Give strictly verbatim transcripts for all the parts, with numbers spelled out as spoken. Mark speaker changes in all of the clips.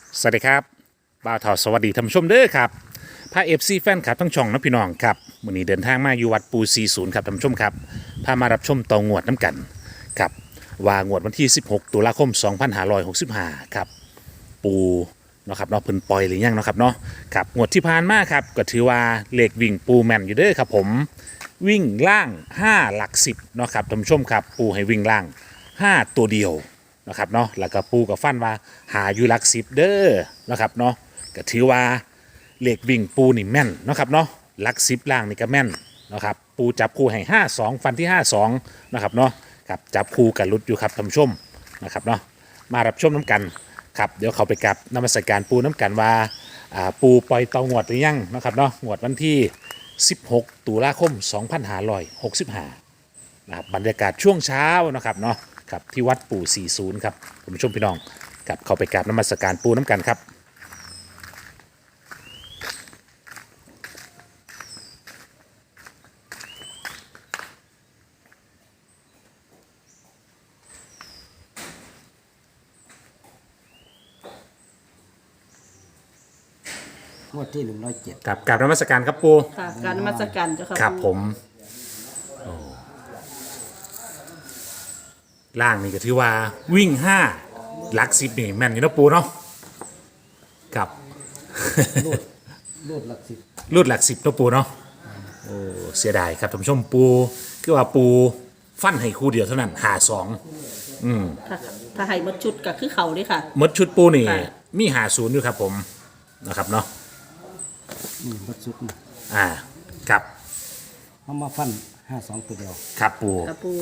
Speaker 1: สวัสดีครับบ่าวทอสวัสดีท่านผู้ชมเด้อครับพาเอฟซีแฟนคลับทั้งช่องนะพี่น้องครับวันนี้เดินทางมาอยู่วัดปูสี่สิบครับท่านผู้ชมครับพามารับชมตองวดน้ำกันครับว่างวดวันที่สิบหกตุลาคมสองพันห้าร้อยหกสิบห้าครับปูเนาะครับเนาะเพิ่นปล่อยหรือยังเนาะครับเนาะครับงวดที่ผ่านมาครับก็ถือว่าเลขวิ่งปูแม่นอยู่เด้อครับผมวิ่งล่างห้าหลักสิบเนาะครับท่านผู้ชมครับปูให้วิ่งล่างห้าตัวเดียวนะครับเนาะแล้วก็ปูกับฟันว่าหาอยู่หลักสิบเด้อนะครับเนาะก็ถือว่าเลขวิ่งปูนี่แม่นเนาะครับเนาะหลักสิบล่างนี่ก็แม่นนะครับปูจับคู่ให้ห้าสองฟันที่ห้าสองนะครับเนาะครับจับคู่กับลุดอยู่ครับท่านผู้ชมนะครับเนาะมารับชมน้ำกันครับเดี๋ยวเขาไปกับนมัสการปูน้ำกันว่าอ่าปูปล่อยเตางวดหรือยังนะครับเนาะงวดวันที่สิบหกตุลาคมสองพันห้าร้อยหกสิบห้านะครับบรรยากาศช่วงเช้านะครับเนาะครับที่วัดปู่สี่สิบครับคุณผู้ชมพี่น้องครับเข้าไปกราบนมัสการปูน้ำกันครับ
Speaker 2: งวดที่หนึ่งร้อยเจ็ด
Speaker 1: ครับกราบนมัสการครับปู
Speaker 3: ค่ะการนมัสการเจ้าค่ะ
Speaker 1: ครับผ
Speaker 3: ปู่
Speaker 1: มโอ้ล่างนี่ก็ถือว่าวิ่งห้าหลักสิบนี่แม่นอยู่นะปูเนาะครับ
Speaker 2: รูดรูดหลักสิบ
Speaker 1: รูดหลักสิบนะปูเนาะโอ้เสียดายครับท่านผู้ชมปูคือว่าปูฟันให้คู่เดียวเท่านั้นหาสองอืม
Speaker 3: ถ้าถ้าให้หมดชุดก็คือเขาเด้ค่ะ
Speaker 1: หมดชุดปูนี่
Speaker 3: ค่ะ
Speaker 1: มีหาศูนย์อยู่ครับผมนะครับเนาะ
Speaker 2: นี่บัดซุกนี่
Speaker 1: อ่าครับ
Speaker 2: เขามาฟันห้าสองตัวเดียว
Speaker 1: ครับปู
Speaker 3: ค่ะปู่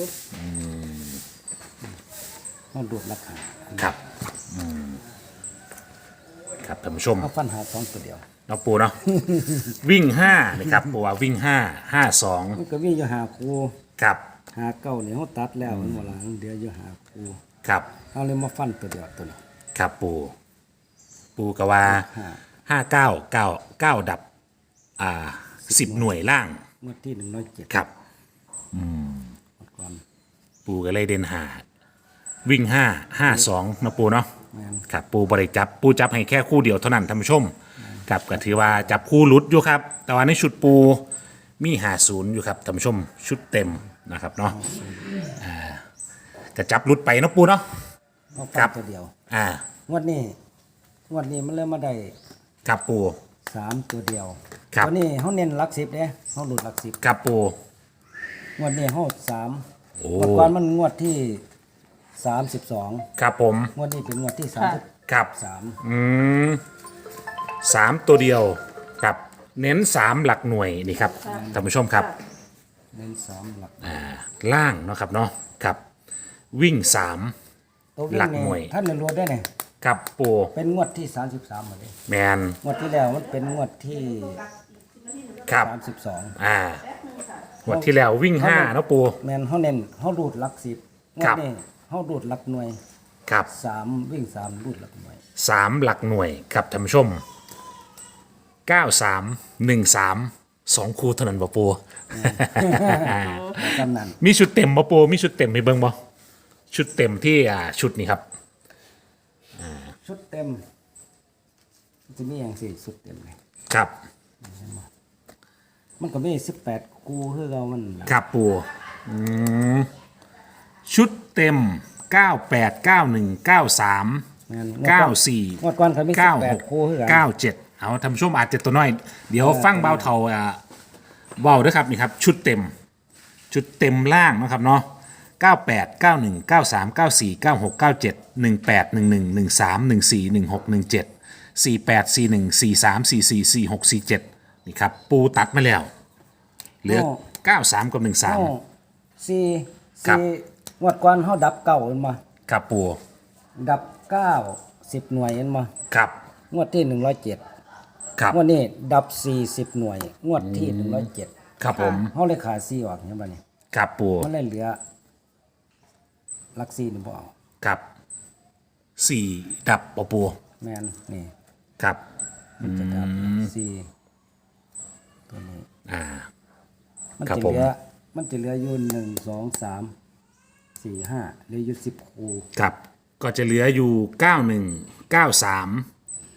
Speaker 2: เขาดูดราคา
Speaker 1: ครับอืมครับท่านผู้ชม
Speaker 2: เขาฟันหาสองตัวเดียว
Speaker 1: เนาะปูเนาะ วิ่งห้านะครับปูว่าวิ่งห้าห้าสอง
Speaker 2: มันก็มีอยู่หาครู
Speaker 1: ครับ
Speaker 2: หาเก้าเนี่ยเขาตัดแล้วมันหมดละเดี๋ยวอยู่หาครู
Speaker 1: ครับ
Speaker 2: เขาเลยมาฟันตัวเดียวตัวนี้
Speaker 1: ครับปูปูกว่า
Speaker 2: ห้า
Speaker 1: ห้าเก้าเก้าเก้าดับอ่าสิบหน่วยล่าง
Speaker 2: งวดที่หนึ่งร้อยเจ็ด
Speaker 1: ครับ
Speaker 2: ก่อน
Speaker 1: ปูก็เลยเด่นหาวิ่งห้าห้าสองนะปูเนาะ
Speaker 2: แมน
Speaker 1: ครับปูบริจับปูจับให้แค่คู่เดียวเท่านั้นท่านผู้ชมครับก็ถือว่าจับคู่หลุดอยู่ครับ แต่ว่าในชุดปูมีหาศูนย์อยู่ครับท่านผู้ชมชุดเต็มนะครับเนาะอ่าจะจับหลุดไปเนาะปูเนาะ
Speaker 2: เขา
Speaker 1: ครั
Speaker 2: ฟัน
Speaker 1: บ
Speaker 2: ตัวเดียว
Speaker 1: อ่าง
Speaker 2: วดนี้งวดนี้มันเริ่มมาได้
Speaker 1: ครับปู
Speaker 2: สามตัวเดียว
Speaker 1: ครับ
Speaker 2: ตัวนี้เขาเน้นหลักสิบเนี่ยเขาหลุดหลักสิบ
Speaker 1: ครับปู
Speaker 2: งวดนี้เขาสาม
Speaker 1: โอ้
Speaker 2: งวดก่อนมันงวดที่สามสิบสอง
Speaker 1: ครับผม
Speaker 2: งวดนี้เป็นงวดที่สามสิบ
Speaker 1: ครับ
Speaker 2: สาม
Speaker 1: อืมสามตัวเดียวกับเน้นสามหลักหน่วยนี่ครับท่านผู้ชมครับ
Speaker 2: เน้นสามหลัก
Speaker 1: อ่าล่างเนาะครับเนาะครับวิ่งสาม
Speaker 2: ตัววิ่
Speaker 1: หลั
Speaker 2: ง
Speaker 1: ก
Speaker 2: เนี่
Speaker 1: หน่วย
Speaker 2: ท่านเรียนรู้ได้เนี่ย
Speaker 1: ครับปู
Speaker 2: เป็นงวดที่สามสิบสามหมดเลย
Speaker 1: แมน
Speaker 2: งวดที่แล้วมันเป็นงวดที่
Speaker 1: ครับ
Speaker 2: สามสิบสอง
Speaker 1: อ่าหมดที่แล้ววิ่งห้าเนาะปู
Speaker 2: แมนเขาเน้นเขาดูดหลักสิบงว
Speaker 1: ครั
Speaker 2: ด
Speaker 1: บ
Speaker 2: นี้เขาดูดหลักหน่วย
Speaker 1: ครับ
Speaker 2: สามวิ่งสามดูดหลักหน่วย
Speaker 1: สามหลักหน่วยครับท่านผู้ชมเก้าสามหนึ่งสามสองคู่เท่านั้นบ่ปู
Speaker 2: กำนัน
Speaker 1: มีชุดเต็มบ่ปูมีชุดเต็มให้เบิ่งบ่ชุดเต็มที่อ่าชุดนี้ครับ
Speaker 2: ชุดเต็มจะมีอย่างสี่ชุดเต็มเลย
Speaker 1: ครับ
Speaker 2: มันก็มีสิบแปดกูคือเรามันล่ะ
Speaker 1: ครับปูอืมชุดเต็มเก้าแปดเก้าหนึ่งเก้าสาม
Speaker 2: แม่น
Speaker 1: เก้าสี่
Speaker 2: งวดก่อนเขามีสิ
Speaker 1: เก้า
Speaker 2: บแป
Speaker 1: ห
Speaker 2: ด
Speaker 1: ก
Speaker 2: กูคือกัน
Speaker 1: เก้าเจ็ดเอาท่านผู้ชมอาจจะตัวน้อย เดี๋ยวฟังเบาเทาอ่าเบาด้วยครับนี่ครับ ชุดเต็ม ชุดเต็มล่างนะครับเนาะเก้าแปดเก้าหนึ่งเก้าสามเก้าสี่เก้าหกเก้าเจ็ดหนึ่งแปดหนึ่งหนึ่งหนึ่งสามหนึ่งสี่หนึ่งหกหนึ่งเจ็ดสี่แปดสี่หนึ่งสี่สามสี่สี่สี่หกสี่เจ็ดนี่ครับ ปูตัดมาแล้ว เหลือเก้าสามกับหนึ่งสาม
Speaker 2: เฮาสี่
Speaker 1: ครับ
Speaker 2: สี่งวดก่อนเขาดับเก้าเห็นมา
Speaker 1: ครับปู
Speaker 2: ดับเก้าสิบหน่วยเห็นมา
Speaker 1: ครับ
Speaker 2: งวดที่หนึ่งร้อยเจ็ด
Speaker 1: ครับ
Speaker 2: งวดนี้ดับสี่สิบหน่วย งวดที่หนึ่งร้อยเจ็ด
Speaker 1: ครับผม
Speaker 2: เขาเลยขาดสี่ออกเห็นป่ะนี่
Speaker 1: ครับปู
Speaker 2: มันเลยเหลือหลักสี่นี่บ่เอา
Speaker 1: ครับสี่ดับปอปู
Speaker 2: แมนนี่
Speaker 1: ครับ
Speaker 2: มันจะดับสี่ตัวนี้
Speaker 1: อ่า
Speaker 2: มัน
Speaker 1: ครับ
Speaker 2: จะ
Speaker 1: ผม
Speaker 2: เหลือมันจะเหลืออยู่หนึ่งสองสามสี่ห้าเหลืออยู่สิบคู
Speaker 1: ครับก็จะเหลืออยู่เก้าหนึ่งเก้าสาม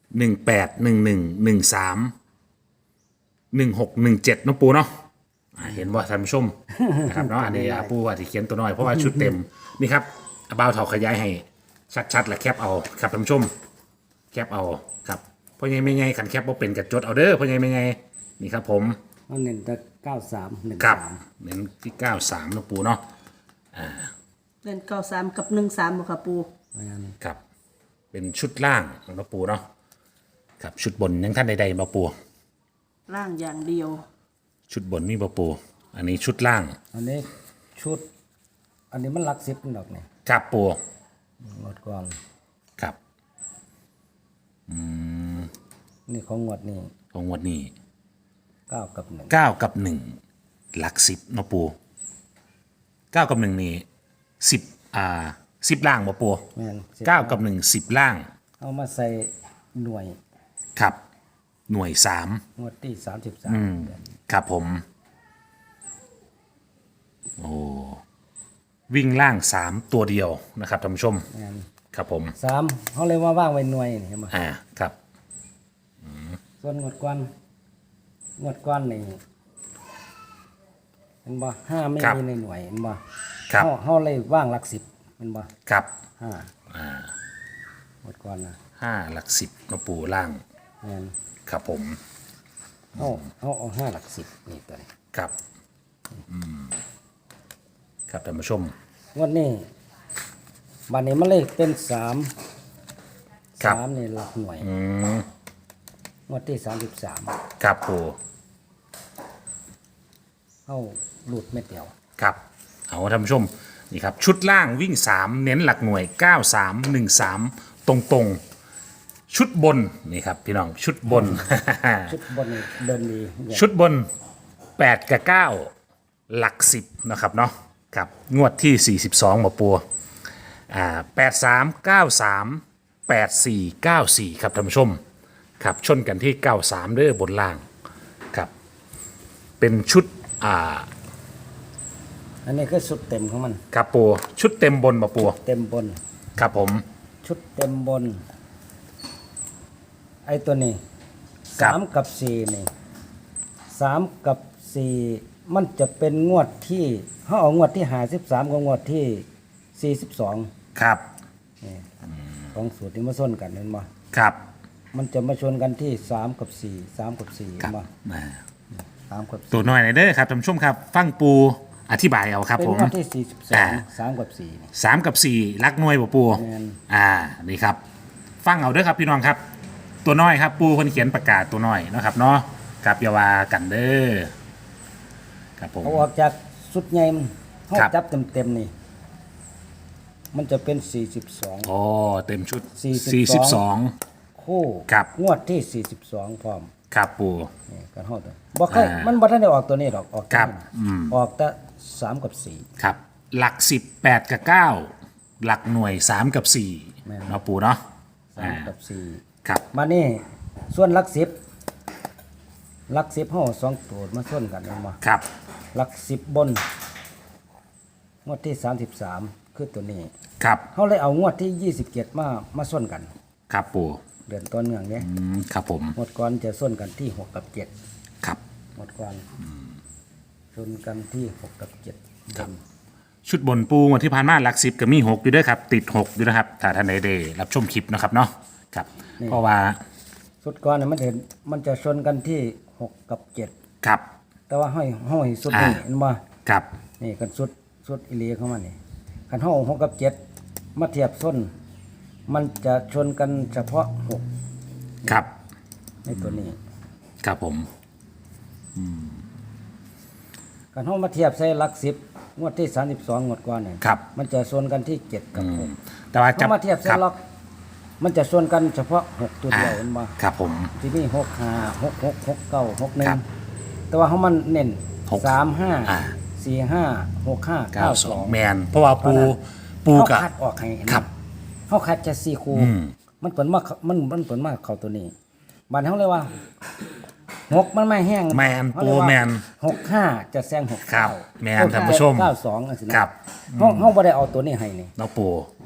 Speaker 1: หนึ่งแปดหนึ่งหนึ่งหนึ่งสามหนึ่งหกหนึ่งเจ็ดน้องปูเนาะอ่าเห็นว่าท่านผู้ชม นะครับเนาะอันนี้อ่ะปูว่าที่เขียนตัวน้อยเพราะว่าชุดเต็มนี่ครับเอาเบาเถาขยายให้ชัดๆและแคปเอาครับท่านผู้ชมแคปเอาครับเพราะยังไม่ไงขันแคปว่าเป็นกับจดเอาเด้อเพราะยังไม่ไงนี่ครับผม
Speaker 2: เอาเน้นแต่เก้าสามหนึ่ง
Speaker 1: ครับ
Speaker 2: สาม
Speaker 1: เน้นที่เก้าสามน้องปูเนาะ
Speaker 3: เล่นเก้าสามกับหนึ่งสามบ่ค่ะปู
Speaker 2: เพราะงั้น
Speaker 1: ครับเป็นชุดล่างของน้องปูเนาะครับชุดบนยังท่านใดๆมาปู
Speaker 3: ร่างอย่างเดียว
Speaker 1: ชุดบนมีมาปูอันนี้ชุดล่าง
Speaker 2: อันนี้ชุด อันนี้มันหลักสิบมันดอกเนี่ย
Speaker 1: ครับปู
Speaker 2: งวดก่อน
Speaker 1: ครับ
Speaker 2: นี่ของงวดนี้
Speaker 1: ของงวดนี้
Speaker 2: เก้ากับหนึ่ง
Speaker 1: เก้ากับหนึ่งหลักสิบเนาะปูเก้ากับหนึ่งนี่สิบอ่าสิบล่างมาปู
Speaker 2: แม่นสิบ
Speaker 1: เก้ากับหนึ่งสิบล่าง
Speaker 2: เอามาใส่หน่วย
Speaker 1: ครับ หน่วยสาม
Speaker 2: งวดที่สามสิบสาม
Speaker 1: ครับผมโอ้วิ่งล่างสามตัวเดียวนะครับท่านผู้ชม
Speaker 2: แม่น
Speaker 1: ครับผม
Speaker 2: สามเขาเลยว่าว่างไว้หน่วยนี่เห็นไหม
Speaker 1: อ่าครับ
Speaker 2: ส่วนงวดก่อนงวดก่อนนี่เห็นบ่ห้าไม่มีในหน่วยเห็นบ่
Speaker 1: ครับ
Speaker 2: เขาเขาเลยว่างหลักสิบเห็นบ่
Speaker 1: ครับ
Speaker 2: ห้าหมดก่อนนะ
Speaker 1: ห้าหลักสิบเนาะปูล่าง
Speaker 2: แม่น
Speaker 1: ครับผม
Speaker 2: เอาเอาเอาห้าหลักสิบนี่ตัวนี้
Speaker 1: ครับอืมครับท่านผู้ชม
Speaker 2: งวดนี้บัดนี้มันเลยเป็นสาม
Speaker 1: ครับ
Speaker 2: สามนี่หลักหน่วย
Speaker 1: อืม
Speaker 2: งวดที่สามสิบสาม
Speaker 1: ครับปู
Speaker 2: เข้าหลุดไม่เดียว
Speaker 1: ครับเอาท่านผู้ชมนี่ครับชุดล่างวิ่งสามเน้นหลักหน่วยเก้าสามหนึ่งสามตรงตรงๆชุดบนนี่ครับพี่น้องชุดบน
Speaker 2: ชุดบนนี่เดินดีเนี่ย
Speaker 1: ชุดบนแปดกับเก้าหลักสิบนะครับเนาะครับงวดที่สี่สิบสองหมอปัวอ่าแปดสามเก้าสามแปดสี่เก้าสี่ครับท่านผู้ชมครับชนกันที่เก้าสามเด้อบนล่างครับเป็นชุดอ่า
Speaker 2: อันนี้คือชุดเต็มของมัน
Speaker 1: ครับปัวชุดเต็มบนหมอปัว
Speaker 2: เต็มบน
Speaker 1: ครับผม
Speaker 2: ชุดเต็มบน ไอ้ตัวนี้
Speaker 1: ครับ
Speaker 2: สามกับสี่นี่สามกับสี่มันจะเป็นงวดที่เขาเอางวดที่หาสิบสามกับงวดที่สี่สิบสอง
Speaker 1: ครับ
Speaker 2: ของสูตรที่มาส้นกันเห็นบ่
Speaker 1: ครับ
Speaker 2: มันจะมาชนกันที่สามกับสี่สามกับสี่
Speaker 1: ครั
Speaker 2: เห็
Speaker 1: บ
Speaker 2: นบ่
Speaker 1: อ่า
Speaker 2: สามกับ
Speaker 1: ตัวน้อยหน่อยเด้อครับท่านผู้ชมครับ ฟังปูอธิบายเอาครับ
Speaker 2: เป็น
Speaker 1: ผม
Speaker 2: งวดที่สี่สิบสอ
Speaker 1: อ่า
Speaker 2: งสามกับสี่นี่
Speaker 1: สามกับสี่ลักหน่วยบ่ปู
Speaker 2: แม่น
Speaker 1: อ่านี่ครับ ฟังเอาเด้อครับพี่น้องครับ ตัวน้อยครับ ปูคนเขียนประกาศตัวน้อยเนาะครับเนาะกับอยาวากันเด้อครับผม
Speaker 2: เขาออกจากสุดใหญ่มันเขา
Speaker 1: ครับ
Speaker 2: จับเต็มๆนี่ มันจะเป็นสี่สิบสอง
Speaker 1: โอ้เต็มชุด
Speaker 2: สี่
Speaker 1: สี่
Speaker 2: สิ
Speaker 1: สิบบ ส
Speaker 2: ส
Speaker 1: อ
Speaker 2: อง ง คู่
Speaker 1: ครับ
Speaker 2: งวดที่สี่สิบสองพร้อม
Speaker 1: ครับปู
Speaker 2: นี่กันเฮาตัวบ่เคย
Speaker 1: อ่ามั
Speaker 2: มันบ่ทันได้ออกตัวนี้ดอกออก
Speaker 1: ครับ
Speaker 2: ตัวนี้
Speaker 1: อืม
Speaker 2: ออกแต่สามกับสี่
Speaker 1: ครับ หลักสิบแปดกับเก้าหลักหน่วยสามกับสี่
Speaker 2: แม่น
Speaker 1: เนาะปูเนาะ
Speaker 2: สามกับสี่
Speaker 1: ครับ
Speaker 2: มานี่ส่วนหลักสิบหลักสิบเฮาสองตัวมาส่วนกันแม่นบ่
Speaker 1: ครับ
Speaker 2: หลักสิบบน งวดที่สามสิบสามคือตัวนี้
Speaker 1: ครับ
Speaker 2: เฮาเลยเอางวดที่ยี่สิบเจ็ดมามาส่วนกัน
Speaker 1: ครับปู
Speaker 2: เดือนต้นเมืองเนี้ย
Speaker 1: อืมครับผม
Speaker 2: งวดก่อนจะส่วนกันที่หกกับเจ็ด
Speaker 1: ครับ
Speaker 2: งวดก่อนส่วนกันที่หกกับเจ็ด
Speaker 1: ครับ ชุดบนปูวันที่ผ่านมาหลักสิบก็มีหกอยู่ด้วยครับ ติดหกอยู่นะครับถ้าท่านใดได้รับชมคลิปนะครับเนาะครับ เพราะว่า
Speaker 2: สุดก่อนเนี่ยมันเห็นมันจะชนกันที่หกกับเจ็ด
Speaker 1: ครับ
Speaker 2: แต่ว่าห้อยห้อยสุดนี่
Speaker 1: อ่า
Speaker 2: เห็นบ่
Speaker 1: ครับ
Speaker 2: นี่กันสุดสุดอิเลียเข้ามานี่คันห้องหกกับเจ็ดมาเทียบส้น มันจะชนกันเฉพาะหก
Speaker 1: ครับ
Speaker 2: ในตัวนี้
Speaker 1: ครับผม
Speaker 2: คันห้องมาเทียบใส่หลักสิบงวดที่สามสิบสองงวดก่อนเนี่ย
Speaker 1: ครับ
Speaker 2: มันจะชนกันที่เจ็ดกับหก
Speaker 1: แต่ว่าจะ
Speaker 2: เขามาเทียบใส่
Speaker 1: ครับ
Speaker 2: ล็อก มันจะชนกันเฉพาะหกตัวเดียวเห็นบ่
Speaker 1: ครับผม
Speaker 2: ที่นี่หกห้าหกหกหกเก้าหกหนึ่
Speaker 1: ครั
Speaker 2: ง
Speaker 1: บ
Speaker 2: แต่ว่าเขามันเน้น
Speaker 1: หก
Speaker 2: สามห้า
Speaker 1: อ่า
Speaker 2: สี่ห้าหกห้า
Speaker 1: เก้า
Speaker 2: เก้า
Speaker 1: ส
Speaker 2: ส
Speaker 1: อ
Speaker 2: อง ง
Speaker 1: แมนเพราะว่าปูปู
Speaker 2: เขา
Speaker 1: กับ
Speaker 2: คัดออกให้เห็นไหม
Speaker 1: ครับ
Speaker 2: เขาคัดจะสี่คู่
Speaker 1: อืม
Speaker 2: มันเปิดมามันมันเปิดมาเข้าตัวนี้บ้านเขาเลยว่าหกมันไม่แห้ง
Speaker 1: แมน
Speaker 2: เขา
Speaker 1: ปู
Speaker 2: เรียกว่า
Speaker 1: แมน
Speaker 2: หกห้าจะแซงหก
Speaker 1: ครับ
Speaker 2: เก้า
Speaker 1: แม่นท่านผู้ชม
Speaker 2: เก้าสองอันสินะครับ เขาเขาไม่ได้เอาตัวนี้ให้นี่
Speaker 1: เนาะปู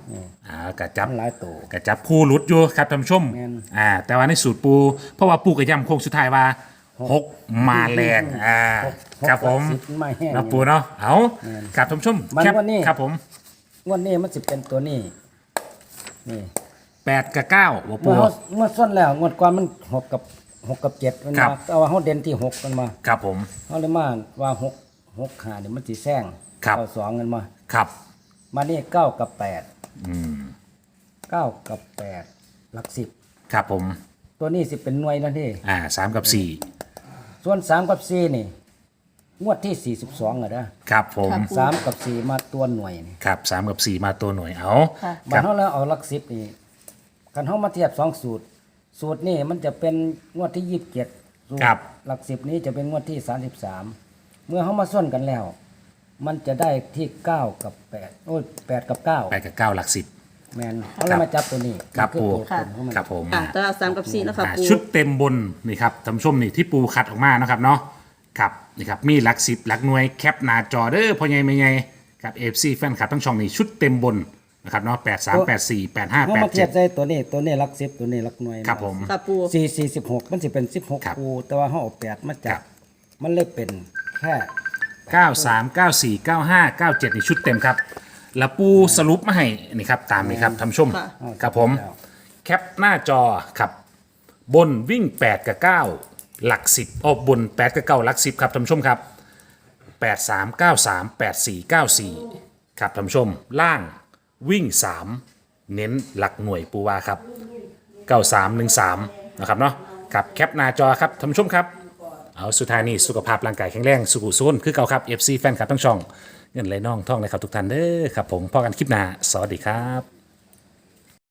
Speaker 1: อ่ากระจับ
Speaker 2: มันหลายตัว
Speaker 1: กระจับคู่หลุดอยู่ครับท่านผู้ชม
Speaker 2: แม่น
Speaker 1: อ่าแต่ว่าในสูตรปู เพราะว่าปูกระยำโค้งสุดท้ายว่าหกมาแรงอ่า
Speaker 2: หก
Speaker 1: ครับผม
Speaker 2: หกกับสิบไม่แห้ง
Speaker 1: นะปูเนาะเอา
Speaker 2: แม่น
Speaker 1: ครับท่านผู้ชม
Speaker 2: มัน
Speaker 1: แคป
Speaker 2: วันนี้
Speaker 1: ครับผม
Speaker 2: งวดนี้มันสิเป็นตัวนี้นี่
Speaker 1: แปดกับเก้าหัวปู
Speaker 2: เมื่อเขาเมื่อส้นแล้วงวดก่อนมันหกกับหกกับเจ็ดมัน
Speaker 1: ครั
Speaker 2: มา
Speaker 1: บ
Speaker 2: เอาว่าเขาเด่นที่หกกันมา
Speaker 1: ครับผม
Speaker 2: เขาเลยมาว่าหกหกหาเนี่ยมันสิแซง
Speaker 1: ครับ
Speaker 2: เอาสองกันมา
Speaker 1: ครับ
Speaker 2: มานี่เก้ากับแปด
Speaker 1: อืม
Speaker 2: เก้ากับแปดหลักสิบ
Speaker 1: ครับผม
Speaker 2: ตัวนี้สิเป็นหน่วยแล้วที่
Speaker 1: อ่าสามกับสี่
Speaker 2: ส่วนสามกับสี่นี่งวดที่สี่สิบสองอะนะครับ
Speaker 1: ผม
Speaker 3: ครับ
Speaker 2: สามกับสี่มาตัวหน่วยนี่
Speaker 1: ครับสามกับสี่มาตัวหน่วยเอา
Speaker 3: ค่ะ
Speaker 1: ค
Speaker 2: บั
Speaker 1: รั
Speaker 2: ด
Speaker 1: บ
Speaker 2: เขาแล้วเอาหลักสิบนี่กันเขามาเทียบสองสูตร สูตรนี่มันจะเป็นงวดที่ยี่สิบเจ็ดสูต
Speaker 1: ครับ
Speaker 2: หลักสิบนี้จะเป็นงวดที่สามสิบสามเมื่อเขามาส่วนกันแล้ว มันจะได้ที่เก้ากับแปดโอ้ยแปดกับเก้า
Speaker 1: แปดกับเก้าหลักสิบ
Speaker 2: แมนเขาเลยมาจับตัวนี้
Speaker 1: ครับ
Speaker 2: นี่อ
Speaker 1: ปู
Speaker 2: ตัวตนของมัน
Speaker 1: ครับผม
Speaker 3: อ่ะตารางสามกับสี่นะคะ
Speaker 1: อ่า
Speaker 3: ปู
Speaker 1: ชุดเต็มบนนี่ครับท่านผู้ชมนี่ที่ปูคัดออกมานะครับเนาะครับนี่ครับมีหลักสิบหลักหน่วยแคปหน้าจอเด้อพ่อใหญ่ไม่ใหญ่ครับเอฟซีแฟนคลับทั้งช่องนี่ชุดเต็มบนนะครับเนาะแปดสามแปดสี่แปดห้า
Speaker 2: เขา
Speaker 1: แปด
Speaker 2: มาเที
Speaker 1: เจ็
Speaker 2: ย
Speaker 1: ด
Speaker 2: บใส่ตัวนี้ตัวนี้หลักสิบตัวนี้หลักหน่วย
Speaker 1: ครับผม
Speaker 3: ค่ะปู
Speaker 2: สี่สี่สิบหกมันจะเป็นสิบหก
Speaker 1: ครับ
Speaker 2: คูแต่ว่าเขาเอาแปดมาจั
Speaker 1: ครับ บ
Speaker 2: มันเลยเป็นแค่
Speaker 1: เก้าสามเก้าสี่เก้าห้าเก้าเจ็ดนี่ชุดเต็มครับแล้วปูสรุปมาให้นี่ครับตามนี้ครับท่านผู้ชม
Speaker 3: ค่ะ
Speaker 1: ครับผมแคปหน้าจอครับบนวิ่งแปดกับเก้าหลักสิบออกบนแปดกับเก้าหลักสิบครับท่านผู้ชมครับ แปด สาม เก้า สาม แปด สี่ เก้า สี่ ครับท่านผู้ชม ล่างวิ่ง สาม เน้นหลักหน่วยปูวาครับ เก้า สาม หนึ่ง สาม นะครับเนาะครับแคปหน้าจอครับท่านผู้ชมครับ เอาสุดท้ายนี่สุขภาพร่างกายแข็งแรงสุขุสุนคือเก่าครับ เอฟ ซี แฟนคลับทั้งช่อง เงินไหลน่องท่องเลยครับทุกท่านเด้อครับผมพอกันคลิปหน้า สวัสดีครับ